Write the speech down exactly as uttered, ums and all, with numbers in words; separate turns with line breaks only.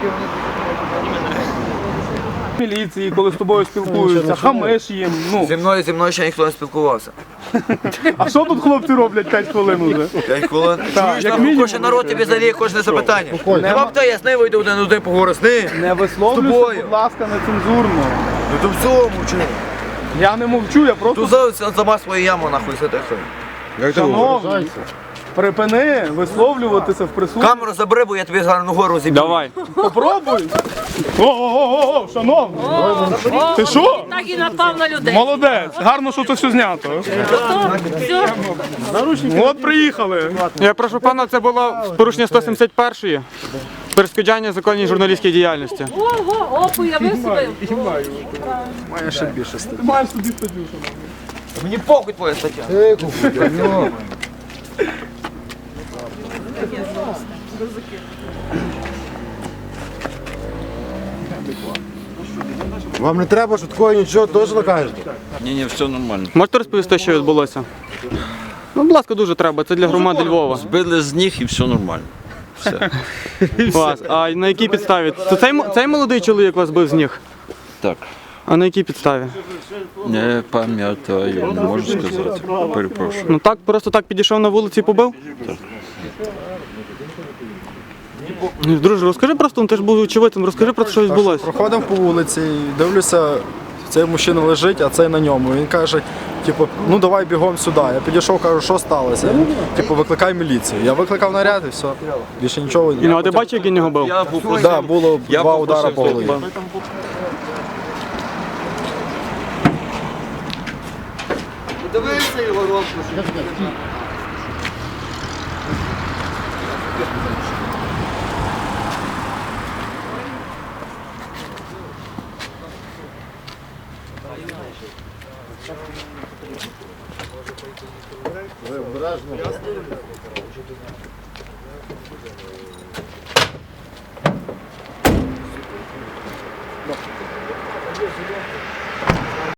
Міліції, коли з тобою спілкуються, хамиш їм. Ну.
Зі мною, зі мною ще ніхто не спілкувався.
А що тут хлопці роблять п'ять хвилин уже?
п'ять хвилин.
Так, як мінімум.
Кожен народ тобі задає кожне запитання. Нема б я з нею вийду один один поговорю з нею.
Не висловлюйся, будь ласка, нецензурно.
Ну то в цьому мовчу.
Я не мовчу, я просто...
Тут за сама свою яму нахуй сиди.
Шановний, припини висловлюватися в присутності.
Камеру забери, бо я тобі зараз ногою розіб'ю.
Давай.
Попробуй. Ого-го-го, шановний. Ти що?
Так і напав на людей.
Молодець. Гарно, що це все знято.
Все.
От приїхали.
Я прошу пана, це було порушення сто сімдесят першої. Перешкоджання законній журналістській діяльності.
Ого, опу, я висувив.
Маєш собі статтю.
Мені похуй твоя стаття.
Вам не треба швидкого нічого, теж накажете?
Ні, ні, все нормально.
Можете розповісти, що відбулося? Ну, будь ласка, дуже треба. Це для громади Львова.
Збили з ніг і все нормально. Все.
Вас. А на якій підставі? Це цей, м- цей молодий чоловік вас бив з ніг?
Так.
А на якій підставі?
Не пам'ятаю, не можу сказати. Перепрошую.
Ну так, просто так підійшов на вулиці і побив? Так. Друже, розкажи просто, ну, ти ж був очевидцем, розкажи про те, що відбулося.
Проходив по вулиці, дивлюся, цей мужчина лежить, а цей на ньому. Він каже, типу, ну давай бігом сюди. Я підійшов, кажу, що сталося? Він, типу, викликай міліцію. Я викликав наряд і все. Більше нічого.
І, ну, а ти бачив, як він його бив?
Я попросив,
Да, було
я
два
попросив
удари по голові.
тебе.